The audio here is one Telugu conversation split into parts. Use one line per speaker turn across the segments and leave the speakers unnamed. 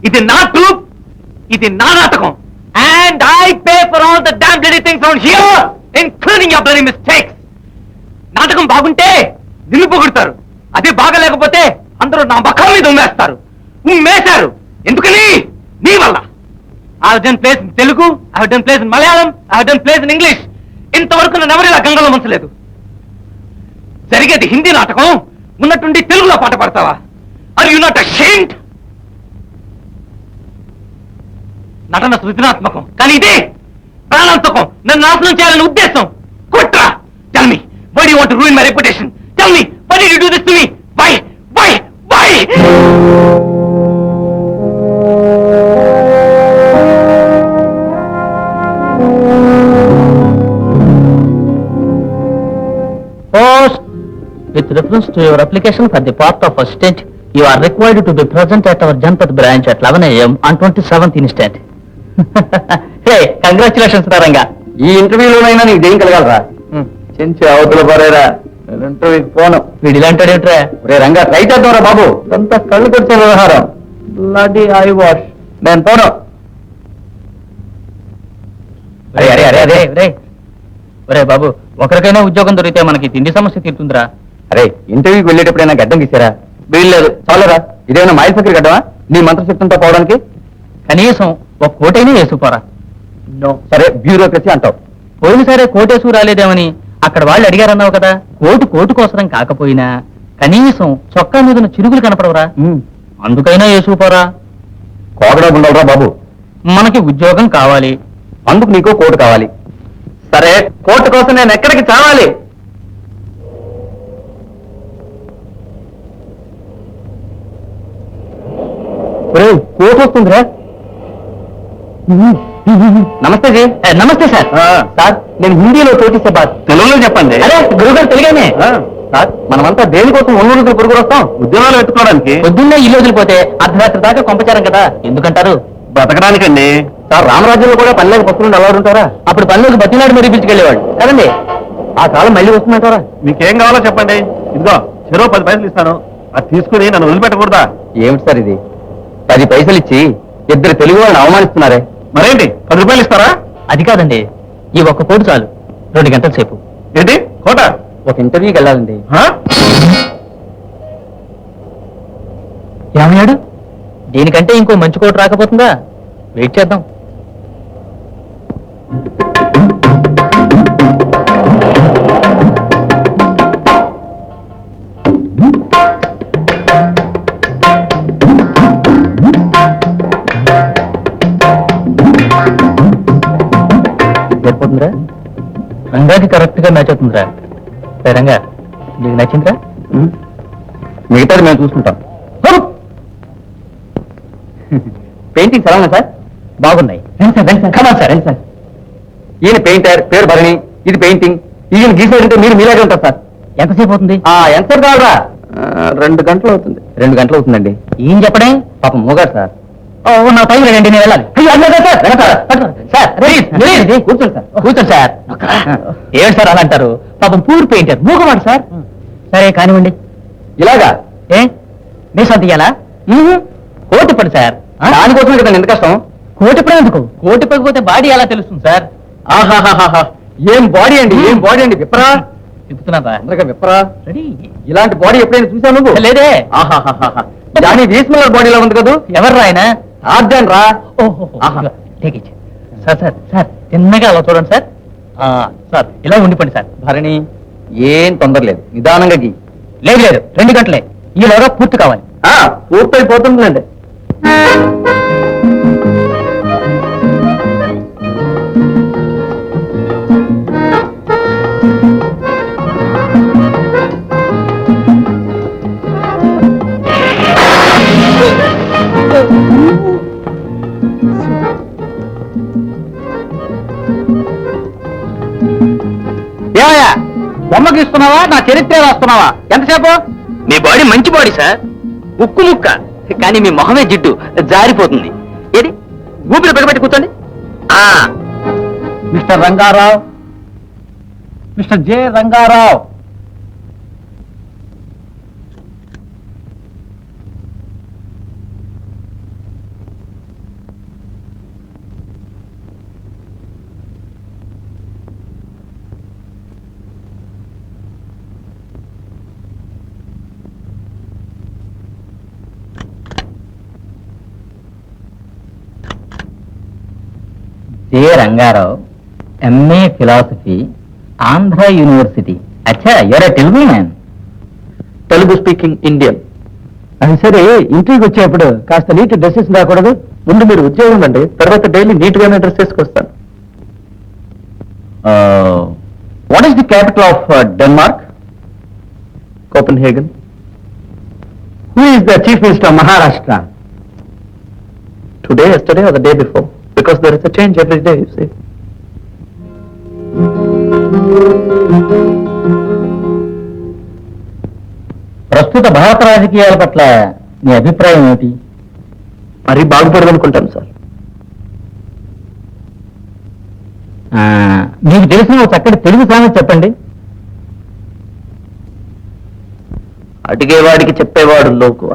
ఇది నా ట్రూప్, ఇది నా నాటకం. And I pay for all the damn bloody things on here, including your bloody mistakes. నాటకం బాగుంటే నిన్ను పొగుడతారు, అదే బాగలేకపోతే అందరూ నా ముఖం మీద ఉమ్మేశారు. ఎందుకని? నీ వల్ల. I have done plays in Telugu, I have done plays in Malayalam, I have done plays in English. ఇంతవరకు నన్ను ఎవరు ఇలా గంగలో ముంచలేదు. జరిగేది హిందీ నాటకం, ఉన్నట్టుండి తెలుగులో పాట పాడతావా? Are you not ashamed? నటన సృజనాత్మకం, కానీ ఇదే ప్రాణాంతకం, నన్ను నాశనం చేయాలని ఉద్దేశం. కుట్ర. Tell me, why do you want to ruin my reputation? Tell me, why did you do this to me? Why?
Post. With reference to your application for the post of assistant, you are required to be present at our Janpat branch at 11 a.m. on 27th instant. Hey, congratulations, Ranga.
ఈ ఇంటర్వ్యూలోనైనా నీకు దేం కలగాలరా? చెంచి అవతల పరేరా, ఇంటర్వ్యూకి పోను.
వీడు ఇలాంటాడేట్రా?
రే రంగా, ట్రై చేద్దాంరా బాబు. అంతా కళ్ళు కొట్టే వ్యవహారం. Bloody eyewash. నేను పోను.
అరే బాబు, ఒకరికైనా ఉద్యోగం దొరికితే మనకి తిండి సమస్య తీరుతుందిరా.
అరే, ఇంటర్వ్యూకి వెళ్ళేటప్పుడైనా గడ్డం గీసారా? వీల్లేదు. చాలరా, ఇదేమైనా మైల్ ఫకీర్ గడ్డమా నీ మంత్రశక్తంతో పోవడానికి?
కనీసం ఒక కోటైనా వేసుకుపోరా.
సరే, బ్యూరోక్రసీ అంటావు.
పోయినసారే కోటేసు రాలేదేమని అక్కడ వాళ్ళు అడిగారన్నావు కదా. కోటు కోసరం కాకపోయినా కనీసం చొక్కా మీద చిరుగులు కనపడవరా? అందుకైనా వేసుకుపోరా.
కోగడా ఉండవురా బాబు.
మనకి ఉద్యోగం కావాలి,
అందుకు నీకో కోటు కావాలి. సరే, కోటు కోసం నేను ఎక్కడికి చావాలి? కోటు వస్తుందిరా. నమస్తే జీ.
నమస్తే సార్.
సార్, నేను హిందీలో కోటిస్తే బాధ, తెలుగులో చెప్పండి.
అరే గురుగారు తెలుగానే.
సార్, మనమంతా దేనికోసం ఒంగోలు పురుగురు వస్తాం? ఉద్యోగాలు పెట్టుకోవడానికి.
పొద్దున్నే ఇల్లు వదిలిపోతే అర్ధరాత్రి దాకా కొంపచారం కదా, ఎందుకంటారు?
బ్రతకడానికండి. సార్, రామరాజ్యంలో కూడా పల్లెకి పస్తులు అలవాటు ఉంటారా?
అప్పుడు పనులకు బతినాడు మరీ పిలిచుకెళ్ళేవాడు కదండి.
ఆ కాలం మళ్ళీ వస్తుందంటారా? మీకేం కావాలో చెప్పండి, ఇదిగో చెరో 10 పైసలు ఇస్తాను. అది తీసుకుని నన్ను వదిలిపెట్టకూడదా? ఏమిటి సార్ ఇది? 10 పైసలు ఇచ్చి ఇద్దరు తెలుగు వాళ్ళని అవమానిస్తున్నారే. మరేంటి, 10 రూపాయలు ఇస్తారా?
అది కాదండి, ఈ ఒక్క కోటు చాలు 2 గంటల సేపు.
ఏంటి కోట?
ఒక ఇంటర్వ్యూకి వెళ్ళాలండి. ఏమయ్యాడు? దీనికంటే ఇంకో మంచి కోటు రాకపోతుందా? వెయిట్ చేద్దాం. సరిపోతుందిరా? రంగాకి కరెక్ట్ గా మ్యాచ్ అవుతుందిరా. రంగా, నీకు నచ్చిందిరా?
మిగతాది మేము చూసుకుంటాం. పెయింటింగ్స్ ఎలా ఉన్నాయి సార్?
బాగున్నాయి.
సార్, ఈయన పెయింటర్, పేరు భరణి. ఇది పెయింటింగ్. ఈయన గీసేటంటే మీరు మీలాగే ఉంటారు సార్.
ఎంతసేపు అవుతుంది?
ఎంతసేపు కావాలా? 2 గంటలు అవుతుంది. 2 గంటలు అవుతుందండి.
ఏం చెప్పడే?
పాపం మూగారు సార్.
నా టైం లేదండి, నేను వెళ్ళాలి. కూర్చోండి సార్. కూర్చోండి సార్. ఏమిటి సార్ అలా అంటారు? పాపం పూర్ పెయింటర్, మూగవాడు సార్. సరే కానివ్వండి.
ఇలాగా?
ఏ మీ సొంత ఇయ్యాలా? కోటి పడి సార్.
దానికోసమే కదా ఎంత కష్టం.
కోటి పడి ఎందుకు? కోటి పడిపోతే బాడీ ఎలా తెలుస్తుంది సార్?
ఆహాహాహా, ఏం బాడీ అండి, ఏం బాడీ అండి. విప్పరా,
చెప్తున్నారా?
అందరిగా విప్పరా.
రెడీ.
ఇలాంటి బాడీ ఎప్పుడైనా చూసావు నువ్వు?
లేదే.
ఆహాహాహా, దాని వీస్మలర్ బాడీలో ఉంది కదా.
ఎవరు ఆయన?
ఆర్డన్ రా.
సార్ సార్ సార్, చిన్నగా అలా చూడండి సార్. సార్ ఇలా ఉండిపోండి సార్.
భరణి, ఏం తొందర లేదు, నిదానంగా గీ.
లేదు లేదు, 2 గంటలే. ఈలోగా పూర్తి కావాలి.
పూర్తయిపోతుందండి.
ఏమయ్యా, బొమ్మకి ఇస్తున్నావా, నా చరిత్ర రాస్తున్నావా? ఎంతసేపు?
మీ బాడీ మంచి బాడీ సార్, ఉక్కు ముక్క. కానీ మీ మొహమే జిడ్డు, జారిపోతుంది. ఏది, ఊపిరి పెగబెట్టి కూర్చోండి.
Mister Rangarao, mister J Rangarao. K Rangarao, MA philosophy, Andhra university. అచ్చా, you are a Telugu man.
Telugu speaking Indian.
అది సరే, ఇంటికి వచ్చేప్పుడు కాస్త నీట్ డ్రెస్సెస్ రాకూడదు?
ముందు మీరు ఉద్యోగం అండి, తర్వాత డైలీ నీట్ గానే డ్రెస్ చేసుకొస్తాను.
What is the capital of Denmark?
Copenhagen.
Who is the chief minister of Maharashtra?
Today, yesterday, or the day before? Because there is a change every day, you see.
ప్రస్తుత భారత రాజకీయాల పట్ల మీ అభిప్రాయం ఏమిటి?
మరీ బాగుపడదనుకుంటాను సార్.
మీకు తెలిసిన ఒక చక్కటి తెలుగు సామెత చెప్పండి.
అడిగేవాడికి చెప్పేవాడు లోకువ.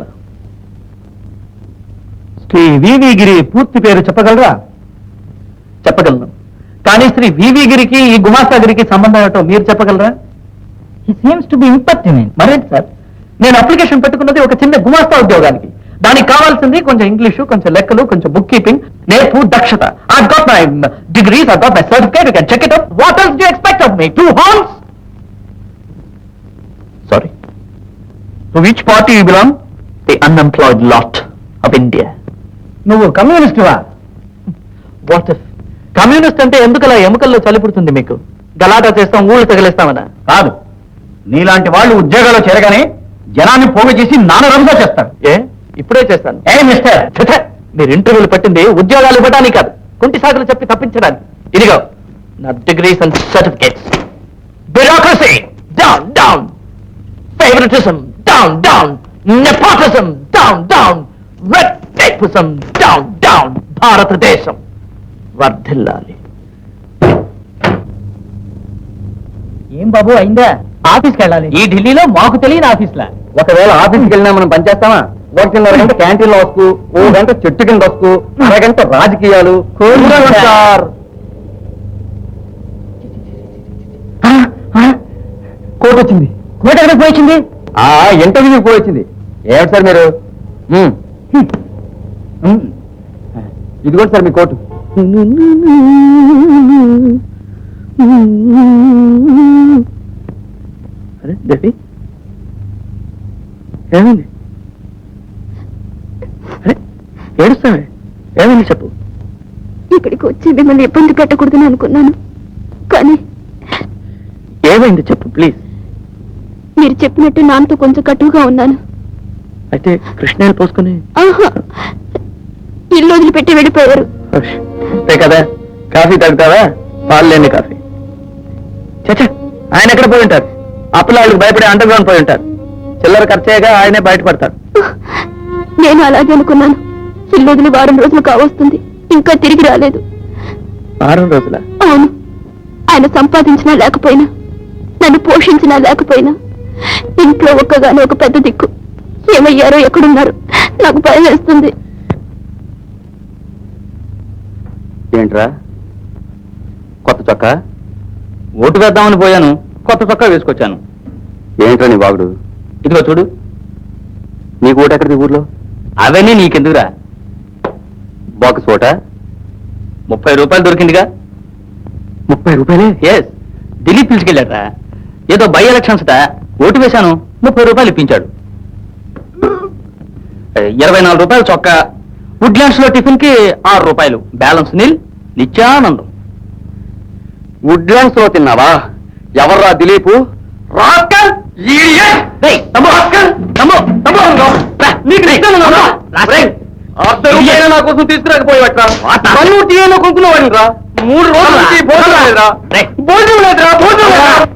శ్రీ వివి గిరి పూర్తి పేరు చెప్పగలరా?
చెప్పగలను, కానీ శ్రీ వివి గిరికి ఈ గుమాస్తాగిరికి సంబంధం ఏమిటో మీరు చెప్పగలరా?
He seems to be impertinent.
మరేంటి సార్, నేను అప్లికేషన్ పెట్టుకున్నది ఒక చిన్న గుమాస్తా ఉద్యోగానికి. దానికి కావాల్సింది కొంచెం ఇంగ్లీషు, కొంచెం లెక్కలు, కొంచెం బుక్ కీపింగ్, నేర్పు, దక్షత. I've got my degrees, I've got my certificate, you can check it up. What else do you expect of me? 2 horns? Sorry. To which party you belong? The unemployed lot of India.
నువ్వు కమ్యూనిస్టువా?
What if? కమ్యూనిస్ట్ అంటే ఎందుకలా ఎముకల్లో చలిపుడుతుంది మీకు? గలాటా చేస్తాం, ఊళ్ళు తగిలేస్తామనా?
కాదు, నీలాంటి వాళ్ళు ఉద్యోగాల్లో చేరగానే జనాన్ని పోగు చేసి నానరంగా చేస్తారు.
ఏ, ఇప్పుడే చేస్తాను.
ఏ మిస్టర్,
ఛ, మీరు ఇంటర్వ్యూలు పట్టింది ఉద్యోగాలు ఇవ్వడానికి కాదు, కుంటి సాకులు చెప్పి తప్పించడానికి. ఇదిగో నా degrees and certificates. Bureaucracy down down, favouritism down down, nepotism down down, red tapism down down. భారతదేశం వర్ధిల్లాలి.
ఏం బాబు అయిందా? ఆఫీస్కి వెళ్ళాలి. ఈ ఢిల్లీలో మాకు తెలియని ఆఫీస్లా?
ఒకవేళ ఆఫీస్కి వెళ్ళినా మనం పనిచేస్తామా? 1.5 గంట క్యాంటీన్ లో వస్తూ, 1 గంట చెట్టు కింద వస్తూ, 1 గంట రాజకీయాలు. సార్,
కోట్ వచ్చింది. కోట్ ఎక్కడ పోయింది?
ఇంటర్వ్యూకి పోయి వచ్చింది. ఏమిటి సార్ మీరు? ఇదిగోండి సార్ మీ కోటు. అరే దేవి, ఏమైంది? అరే ఏడుస్తావే, ఏమైంది చెప్పు.
ఇక్కడికి వచ్చి మిమ్మల్ని ఇబ్బంది పెట్టకూడదని అనుకున్నాను, కానీ
ఏమైంది చెప్పు ప్లీజ్.
మీరు చెప్పినట్టు నాన్నతో కొంచెం కటువుగా ఉన్నాను.
అయితే కృష్ణాలు పోసుకుని
ఆహా, ఇల్లు వదిలిపెట్టి వెళ్ళిపోయారు.
అంతే కదా, కాఫీ తాగుతావా? పాలు లేని కాఫీ. చచ్చా, ఆయన ఎక్కడ పోయి ఉంటారు? అప్పులాళ్ళకి భయపడి అండర్ గ్రౌండ్ పోయి ఉంటారు. చిల్లర ఖర్చేగా ఆయనే బయటపడతారు.
నేను అలాగే అనుకున్నాను. ఇల్లు వదిలి వారం రోజులు కావస్తుంది, ఇంకా తిరిగి రాలేదు.
6 రోజుల?
అవును. ఆయన సంపాదించినా లేకపోయినా, నన్ను పోషించినా లేకపోయినా, ఇంట్లో ఒక్కగానే ఒక పెద్ద దిక్కు. ఏమయ్యారో, ఎక్కడున్నారు? నాకు భయం వేస్తుంది.
ఏంట్రా కొత్త చొక్కా?
ఓటు వేద్దామని పోయాను, కొత్త చొక్కా వేసుకొచ్చాను.
ఏంట్రా నీ బాగుడు?
ఇదిగో చూడు.
నీకు ఓటు ఎక్కడిది ఊర్లో?
అవన్నీ నీకెందుకురా?
బాక్స్ ఓట
30 రూపాయలు దొరికిందిగా.
30 రూపాయలే?
ఎస్, ఢిల్లీ పిలిచుకెళ్ళాడ్రా. ఏదో బై ఎలక్షన్స్ ఓటు వేశాను, 30 రూపాయలు ఇప్పించాడు. 24 రూపాయలు చొక్కా. వుడ్లాండ్స్ లో టిఫిన్ కి 6 రూపాయలు. బ్యాలెన్స్ నిల్, నిత్యానందం.
వుడ్లాండ్స్ లో తిన్నావా? ఎవర్రా దిలీపు? రాస్కల్! ఇడియట్!
రేయ్, తమ్ముడు, రాస్కల్!
నా కోసం తీసుకురాకపోయేవట్రా? కొనుక్కునేవాడిని రా. 3 రోజుల నుంచి భోజనం లేదురా. భోజనం లేదురా.